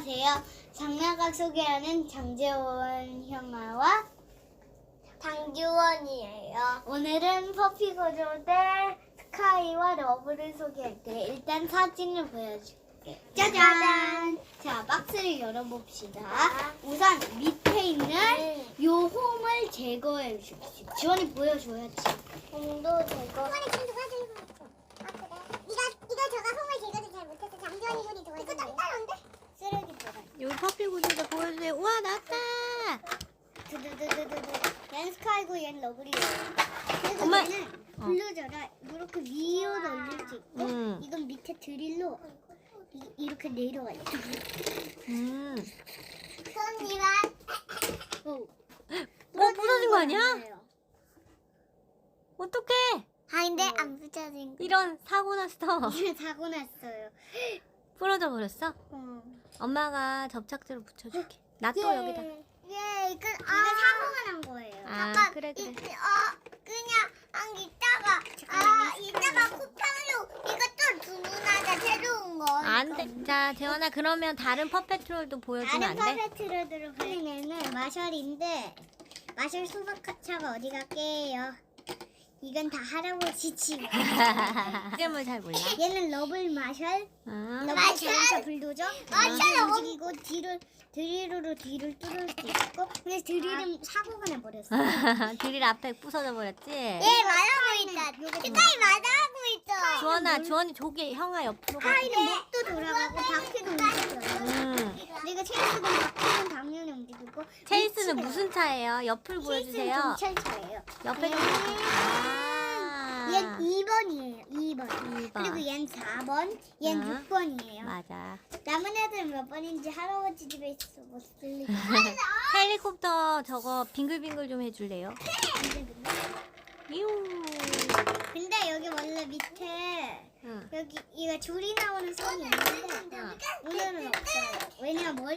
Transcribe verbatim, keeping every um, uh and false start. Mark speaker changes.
Speaker 1: 안녕하세요. 장나각 소개하는 장재원 형아와 방주원이에요. 오늘은 퍼피 거조대 스카이와 러브를 소개할게. 일단 사진을 보여줄게. 짜잔! 자, 박스를 열어봅시다. 우선 밑에 있는 요 홈을 제거해 주십시오. 지원이 보여줘야지. 홈도 제거.
Speaker 2: 지원이 지금 도와주는 거 같아. 아 그래? 이거 이거 저가 홈을 제거도 잘 못해서 장지원이 손이 도와주는 이거 딱딱한데?
Speaker 1: 쓰레기 보관.
Speaker 3: 여기 퍼피 구조대 보여주세요. 우와 나왔다.
Speaker 1: 두두두두두두. 얘는 스카이고 얘는 러블이에요. 그래서
Speaker 3: 엄마.
Speaker 1: 얘는 블루저라 이렇게 위로 올릴 수 있고
Speaker 3: 음.
Speaker 1: 이건 밑에 드릴로 이, 이렇게 내려가요.
Speaker 3: 음.
Speaker 2: 손님은
Speaker 1: 오.
Speaker 3: 어 부서진 거 아니야? 어떡해?
Speaker 2: 아닌데 안 붙여진 거.
Speaker 3: 이런 사고 났어.
Speaker 1: 이게 사고 났어요.
Speaker 3: 부러져 버렸어?
Speaker 1: 어.
Speaker 3: 엄마가 접착제로 붙여줄게. 나 또 여기다.
Speaker 2: 예, 이거
Speaker 1: 이거
Speaker 2: 아
Speaker 1: 사고가 난 거예요.
Speaker 3: 아 그래 그래.
Speaker 2: 이, 어 그냥 안 이따가 아 이따가 쿠팡으로 이거 또 주문하자 새로운 거.
Speaker 3: 안 돼. 자 재원아 그러면 다른 퍼페트롤도 보여주면 안
Speaker 1: 다른
Speaker 3: 돼?
Speaker 1: 퍼펙트로드로 보이는 마셜인데 마셜 소방차가 어디 갈게요? 이건 다 할아버지 집.
Speaker 3: 이름을 잘 몰라.
Speaker 1: 얘는 러블 마셜.
Speaker 3: 아.
Speaker 1: 러블
Speaker 2: 마셜!
Speaker 1: 자동차 불도저.
Speaker 2: 마셜
Speaker 1: 마셜
Speaker 2: 엄-
Speaker 1: 움직이고 뒤를 드릴로 뒤를 뚫을 수 있고. 근데 드릴은 사고가 나버렸어.
Speaker 3: 드릴 앞에 부서져 버렸지?
Speaker 2: 예 말하고 있다. 스카이 말하고 있어.
Speaker 3: 주원아 주원이 저기 형아 옆으로 가.
Speaker 1: 스카이는 목도 돌아가고 바퀴도 움직여요.
Speaker 3: 음.
Speaker 1: 그리고 체이스는 바퀴는 당연히 움직이고.
Speaker 3: 체이스는
Speaker 1: 위치가-
Speaker 3: 무슨 차예요? 옆을
Speaker 1: 체이스는
Speaker 3: 보여주세요.
Speaker 1: 경찰차예요.
Speaker 3: 옆에 좀. 아.
Speaker 1: 얘는 이 번이에요. 이 번.
Speaker 3: 이 번.
Speaker 1: 그리고 얘는 사 번. 얘는
Speaker 3: 아.
Speaker 1: 육 번이에요.
Speaker 3: 맞아.
Speaker 1: 남은 애들은 몇 번인지 할아버지 집에 있어 못 쓸리고.
Speaker 3: 헬리콥터 저거 빙글빙글 좀 해줄래요? 이우.
Speaker 1: 근데 여기 원래 밑에
Speaker 3: 응.
Speaker 1: 여기 이거 줄이 나오는 선이 있는데 오늘은 없어요. 왜냐면 머리